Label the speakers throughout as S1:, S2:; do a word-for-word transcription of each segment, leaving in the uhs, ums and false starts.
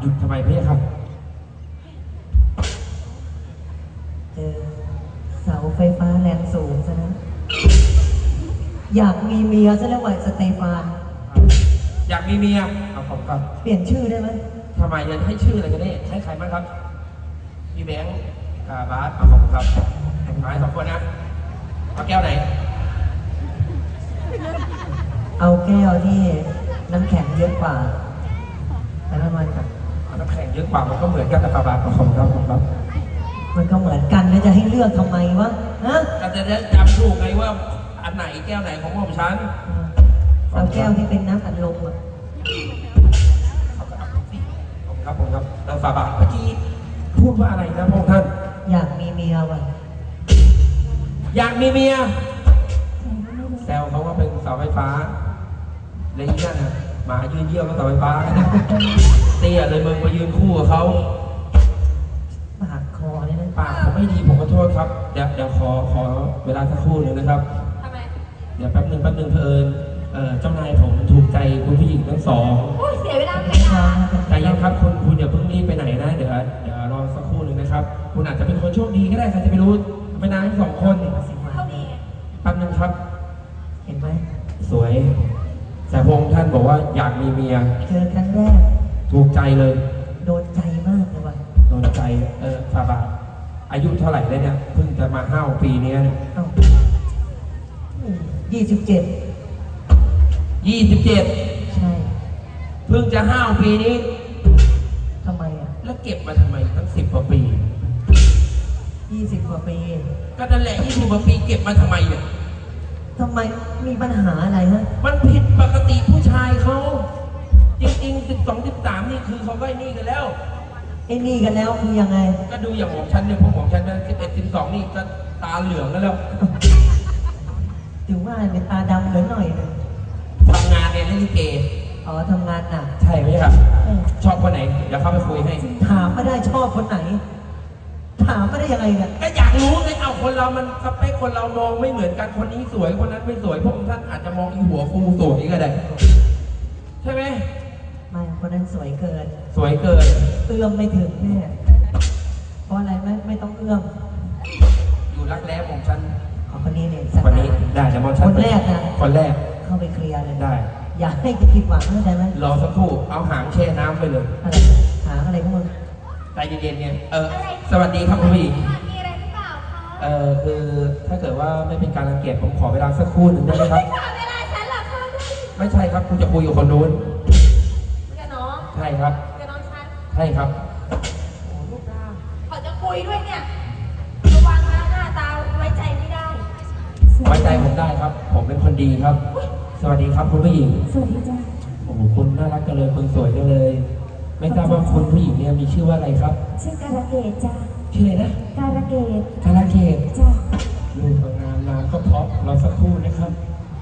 S1: หยุดทำไมพี่ครับ
S2: เจอเสาไฟฟ้าแรงสูงซะนะอยากมีเมียซะแล้วไอ้สเตฟาน
S1: อยากมีเมียเอาผมครับ
S2: เปลี่ยนชื่อได้ไหม
S1: ทำไมจะให้ชื่ออะไรกันเนี่ยให้ใครบ้างครับพี่แบงค์กาบาสเอาผมครับหมายสองคนนะเอาแก้วไหน
S2: เอาแก้วที่น้ำแข็งเยอะกว่าแต่ละมันกับ
S1: น้ำแข็งเยอะกว่ามันก็เหมือนกันแต่กาบาสเอาผมครับผมครับ
S2: มันก็เหมือนกันแล้วจะให้เลือกทำไมวะฮะ
S1: ก็จะได้จำถูกไงว่าอันไหนแก้วไหนของผมฉัน
S2: เอาแก้วที่เป็นน้ำอัดลมอ่ะ
S1: ผมครับผมครับเราฝาบาทเมื่อกี้พูดว่าอะไรนะพวกท่าน
S2: อยากมีเมียว่ะ
S1: อยากมีเมียแซวเขาว่าเป็นเสาไฟฟ้าเลยนั่นน่ะหมายืนเยี่ยวกับเสาไฟฟ้าเตี้ยเลยมึงมายืนคู่กับเขา
S2: ปากคอเนี่ยนะ
S1: ปากผมไม่ดีผมขอโทษครับเดี๋ยวเดี๋ยวขอขอเวลาสักครู่หนึ่งนะครับ
S3: ทำไม
S1: เดี๋ยวแป๊บหนึ่งแป๊บหนึ่งเพลินเอ่อเจ้านายผมถูกใจคุณผู้หญิงทั้งสอง
S3: โอ้ยเสียเวลาไปนะ
S1: ใจเย็นครับคุณคุณอย่าเพิ่งรีบไปไหนนะเดี๋ยวเดี๋ยวรอสักครู่หนึ่งนะครับคุณอาจจะเป็นคนโชคดีก็ได้ใครจะไปรู้ไม่นานทั้งสองคน
S3: เท่านี้
S1: แป๊บหนึ่งครับ
S2: เห็นไหม
S1: สวยแต่พงท่านบอกว่าอยากมีเมีย
S2: เจอครั้งแรก
S1: ถูกใจเลย
S2: โดนใจมากเลยว่ะ
S1: โดนใจเออฟาบาอายุเท่าไหร่แล้วเนี่ยเพิ่งจะมาห้าปีนี้
S2: ยี่สิบเจ็ด
S1: ยี่สิบเจ็ด
S2: ใช่
S1: เพิ่งจะห้าปีนี้
S2: ทำไมอ่ะ
S1: แล้วเก็บมาทำไมตั้งสิบกว่าปี
S2: ยี่สิบกว่าปี
S1: ก็นั่นแหละยี่สิบกว่าปีเก็บมาทำไมเนี่ย
S2: ทำไมมีปัญหาอะไรฮะ
S1: มันผิดปกติผู้ชายเขาจริงๆสิบสองสิบสามนี่คือเขาก็ไอ้นี่กันแล้ว
S2: ไอ้นี่กันแล้วคือยังไง
S1: ก็ดูอย่างของฉันเนี่ยพวกของฉันนะสิบเอ็ดสิบสองนี่ก็ตาเหลืองกันแล้ว
S2: ถือว่าเป็นตาดำเหลือหน่อยนึง
S1: ทำงานเนี่ยเล่นลิเก
S2: อ๋อทำงานหนัก
S1: ใช่ไหมครับชอบคนไหนเดี๋ยวเข้าไปคุยให้
S2: ถามไม่ได้ชอบคนไหนถามไม่ได้ยังไงเนี่ย
S1: ก็อยากรู้ไงเอาคนเรามันสเปคคนเรามองไม่เหมือนกันคนนี้สวยคนนั้นไม่สวยพวกท่านอาจจะมองอีหัวฟูสวยก็ได้ใช่ไหม
S2: ไม่คนนั้นสวยเกิน
S1: สวยเกิน
S2: เอื้อมไม่ถึงแน่เพราะอะไรไม่ไม่ต้องเอื้อม
S1: อยู่รักแร้ของฉัน
S2: คนนี้เนี่ย
S1: คนนี้ได้จะมองฉัน
S2: คนแรกนะ
S1: คนแรก
S2: เข้าไปเคลียร์เลย
S1: ได้
S2: อย่าให้ผิดหวังเข้าใจไหม
S1: รอสักครู่เอาหางแช่น้ำไปเลย
S2: อะไรหางอะไรพวกมึง
S1: ใจเย็นๆเนี่ยเออสวัสดีครับคุณผู้หญิง
S3: มีอะไรหรือเปล่าคะ
S1: เออคือถ้าเกิดว่าไม่เป็นการรังเกียจผมขอเวลาสักครู่หนึ่งได้ไหมครับ
S3: ไม่ขอเวลาฉันหรอกค่ะ
S1: ไม่ใช่ครับคุณจะคุยกับคนนู้น
S3: กับน้อง
S1: ใช่ครับ
S3: กับน้องฉัน
S1: ใช่ครับ
S3: โอ้ลูกดาขอจะคุยด้วยเนี่ยระวังนะหน้าตาไว้ใจไม่ได้
S1: ไว้ใจผมได้ครับผมเป็นคนดีครับสวัสดีครับคุณผู้หญิง
S3: สวัสดีจ้า
S1: โอ้โหคุณน่ารักจังเลยคุณสวยจังเลยไม่ทราบว่าคุณผู้หญิงเนี่ยมีชื่อว่าอะไรครับ
S3: ชื่อการะเกดจ้า
S1: ชื่ออะไรนะ
S3: การะเกด
S1: การะเกด
S3: จ้า
S1: ลูกงามนามก็เพราะเราสักครู่นะครับ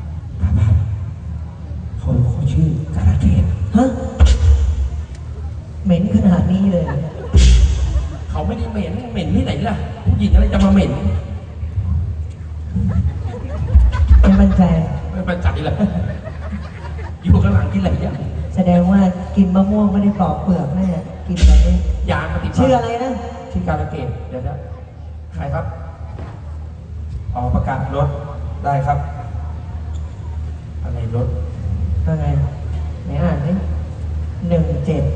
S1: เขาเขาชื่อการะเกด
S2: ฮะเหม็นขนาดนี้เลย
S1: เขาไม่ได้เหม็นเหม็นที่ไหนล่ะผู้หญิงอะไรจะมาเหม็น
S2: ไม่มั่นใจ
S1: ไม่มั่นใจเลยอยู่ข้างหลังกินอะไรอย่าง
S2: แสดงว่ากินมะม่วงไม่ได้ปอกเปลือกแน่กินแบบนี้
S1: ยางมาติด
S2: ชื่ออะไรนะ
S1: ชื่อการะเกดเดี๋ยวนะใครครับอ๋อประกาศรถได้ครับอะไรรถ
S2: ว่าไงไหนอ่านดิหนึ่งเจ็ด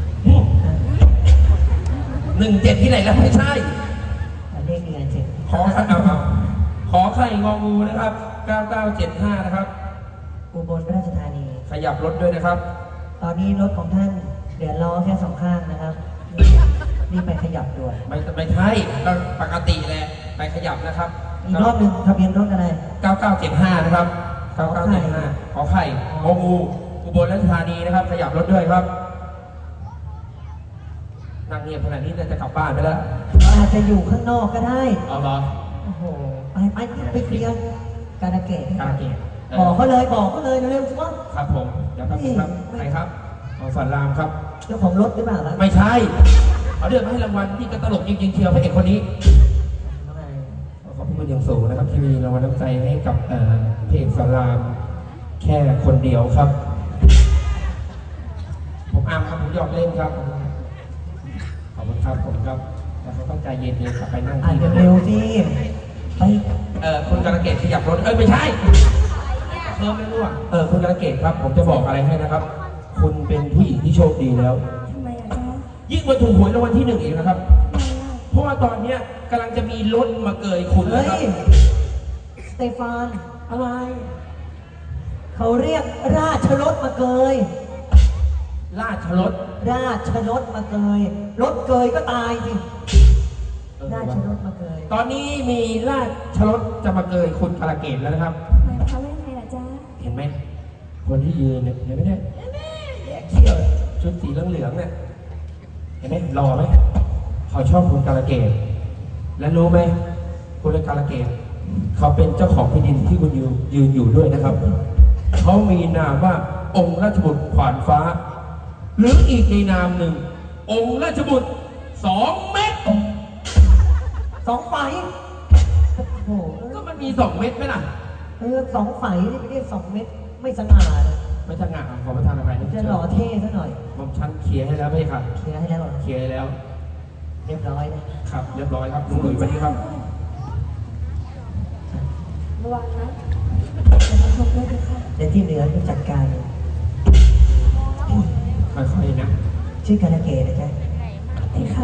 S1: หนึ่งเจ็ดที่ไหนแล้วไม่ใช่
S2: เลขหนึ่งเจ็ด
S1: ขอเอาขอไข่งองูนะครับเก้าเก้าเจ็ดห้านะครับ
S2: อุบลราชธานี
S1: ขยับรถด้วยนะครับ
S2: ตอนนี้รถของท่านเดือดล้อแค่สองข้างนะครับนี่ไปขยับด้วย
S1: ไม่ไม่ใช่ก็ปกติแหละไปขยับนะครับ
S2: อีกรอบหนึ่งทะเบียนรถอะไร
S1: เก้าเก้าเจ็ดห้านะครับเก้าเก้าเจ็ดห้าขอไข่งองูอุบลราชธานีนะครับขยับรถด้วยครับนั่งเงียบขนาดนี้จะกลับบ้านไปแล้ว
S2: อาจจะอยู่ข้างนอกก็ได้
S1: เอาเหรอ
S2: โอ้โหไปไปไปเคลียร์การะเกด
S1: การะเกด
S2: บอกเขาเลยบอกเขาเลยเร็วๆสิวะ
S1: ครับผมเดี๋ยวครับครับใครครับของสอนรามครับ
S2: เจ้าของรถหรือเปล่าครับ
S1: ไม่ใช่เอาเรื่องมาให้รางวัลที่ก็ตลกจริงๆเชียวพระเอกคนนี้ขอบคุณอย่างสูงนะครับที่มีรางวัลน้ำใจให้กับพระเอกสอนรามแค่คนเดียวครับผมอามครับผมยอมเล่นครับอบคุณครับผมครับแล้วเขาต้องใจเย็นๆกลับไปนั่ง
S2: อ่าน
S1: ที่
S2: เร็วๆสิไป
S1: เออคุณกระเกตขยับรถเอ้ยไม่ใช่เออไม่รู้อ่ะเออคุณกระเกตครับ ผมจะบอกอะไรให้นะครับ คุณเป็นผู้หญิงที่โชคดีแล้ว
S3: ทำไมอะจ๊ะ
S1: ยิ่งกว่าถูกหวยรางวัลที่หนึ่งอีกนะครับ เพราะว่าตอนเนี้ยกำลังจะมีรถมาเกยคุณ
S2: เฮ้
S1: นะ
S2: ย
S1: ครับ
S2: สเตฟาน
S1: อะไร
S2: เขาเรียกราชรถมาเกย
S1: ราชรถ
S2: ราชรถมาเกย รถเกยก็ตายสิ
S1: เออ
S2: ราชรถมาเกย
S1: ตอนนี้มีราชรถจะมาเกยคุณกระเกตแล้วนะครับ
S3: หมายความว่ายังไงล่ะจ๊ะ
S1: เห็นไหมคนที่ยืนเนี่ยเห็นไหมเนี่ยแยกเขี้ยวชุดสีเหลืองๆเนี่ยเห็นไหมรอไหมเขาชอบคุณกาลเกตและรู้ไหมคุณกาลเกตเขาเป็นเจ้าของแผ่นดินที่คุณยืนยืนอยู่ด้วยนะครับเขามีนามว่าองค์ราชบุตรขวานฟ้า หรืออีกในนามหนึ่ง องค์ราชบุตรสองเม็ด
S2: สองไฟโอ้โห
S1: ก็มันมีสองเม็ดไหมล่ะ
S2: เออสองไฟเรียกสองเม็ดไม่สง่าเลย
S1: ไม่ช่างงานขอประทานอภัยนะ
S2: จะหล่อเท่ซะหน่อย
S1: ผมชั้นเคลียร์ให้แล้วไหมครับ
S2: เคลียร์ให้แล้วเหรอ
S1: เคลียร์ให้แล้ว
S2: เรียบร้อยนะครับ
S1: เรียบร้อยครับลุงหลุยสวัสดีครับ
S3: ระวังนะจะมาพบด้วยค่ะ
S2: เดี๋ยวที่เหลือที่จัดการ
S1: ค่อยๆนะ
S2: ชื่อการะเกดนะจ๊ะ
S3: พี่ค่ะ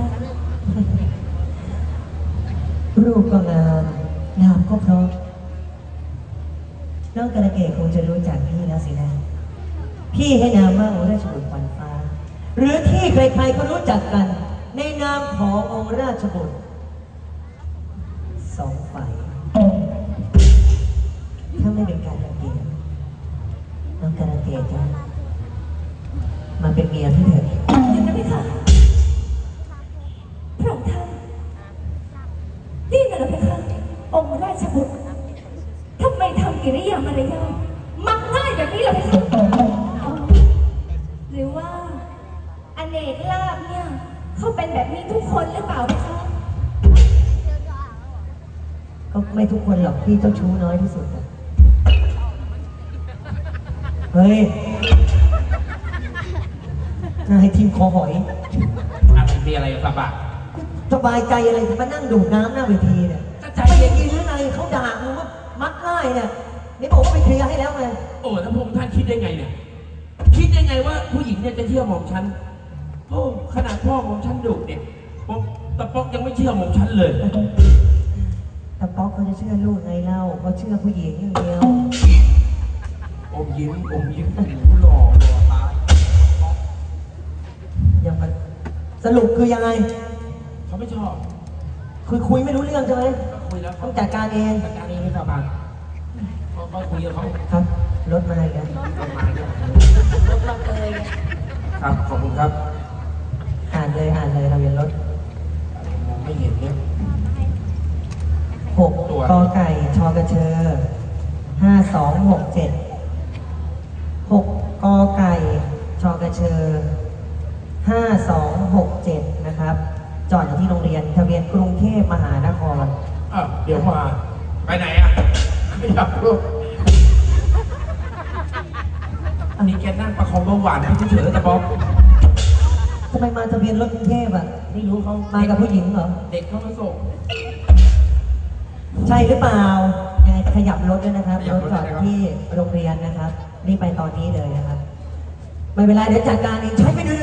S2: รูปก็งามนามก็เพราะน้องการะเกดคงจะรู้จักพี่แล้วสินะ พี่ให้นามว่าองค์ราชบุตรขวัญฟ้า หรือที่ใครๆก็รู้จักกัน ในนามขององค์ราชบุตรสองฝ่ายถ้าไม่เป็นการรังเกียจน้องการะเกดจ้ะมาเป็นเมียพี่เถิด
S3: เดี๋ยวนะพี่ค่ะพระองค์ท่านนี่น่ะเหรอพี่ค่ะองค์ราชบุตรทำไมทำกิริยามารยาทมักง่ายแบบนี้ล่ะพี่ค่ะหรือว่าอเนกลาบเนี่ยเขาเป็นแบบนี้ทุกคนหรือเปล่าพี่คะ
S2: ก็ไม่ทุกคนหรอกพี่เจ้าชู้น้อยที่สุดอะเฮ้ยนายทีมคอหอย
S1: อาจจะมีอะไรสบาย
S2: สบายใจอะไรจะมานั่งดูดน้ำหน้าเวทีเนี่ย
S1: ก็ใจ
S2: ไม่
S1: เย็
S2: ได้
S1: น
S2: ยินหรือไงเขาด่ามึงว่ามักง่ายเนี่ยนี่บอกว่าไปเคลียร์ให้แล้วไง
S1: โอ้แล้วพระองค์ท่านคิดได้ไงเนี่ย คิดได้ไงว่าผู้หญิงเนี่ยจะเชื่อหม่อมฉัน โอ้ขนาดพ่อหม่อมฉันดุเนี่ยผมตะป๊อกยังไม่เชื่อหม่อมฉันเลย
S2: แต่ป๊อกเขาจะเชื่อลูกไงเล่าเขาเชื่อผู้หญิงอย่างเดียว
S1: อมยิ้มอมยิ้มโอ้โหหล่อหล่อตาย
S2: ยังมันสรุปคือยังไง
S1: เขาไม่ชอบ
S2: คือคุยไม่รู้เรื่องใช่ไหม
S1: ก็คุยแล้ว
S2: ต้
S1: เขา
S2: องจัดการเอง
S1: จัดการเองไม่สบายเขาเขาคุยกับเขา
S2: ครับรถมาอีกแล้ว
S1: ลงมาเนี่ย
S3: รถมาเกย
S1: ครับขอบคุณครับ
S2: อ่านเลยอ่านเลยทะเบียนรถ
S1: มองไม่เห็นเนี่ย
S2: หกกอไก่ชอกระเชอห้าสองหกเจ็ดหกกอไก่ชอกระเชอห้าสองหกเจ็ดนะครับ จอดอยู่ที่โรงเรียนทะเบียนกรุงเทพมหานคร
S1: อ่ะเดี๋ยวมาไปไหนอ่ะไม่อยากรู้อันนี้แกนั่งประคองเบาหวานให้เฉยๆแต่บอก
S2: ทำไมมาทะเบียนรถกรุงเทพอ่ะ
S1: ไม่รู้เขา
S2: มากับผู้หญิงเหรอ
S1: เด็กเขามาส่ง
S2: ใช่หรือเปล่ายังไงขยับรถด้วยนะครับ
S1: ขยั
S2: ร
S1: บ
S2: ถ
S1: รถ
S2: จอด
S1: ด้วยนะครับ
S2: ที่โรงเรียนนะครับ นี่ไปตอนนี้เลยนะครับ ไม่เป็นไรเดี๋ยวจัดการเองใช้ไปดู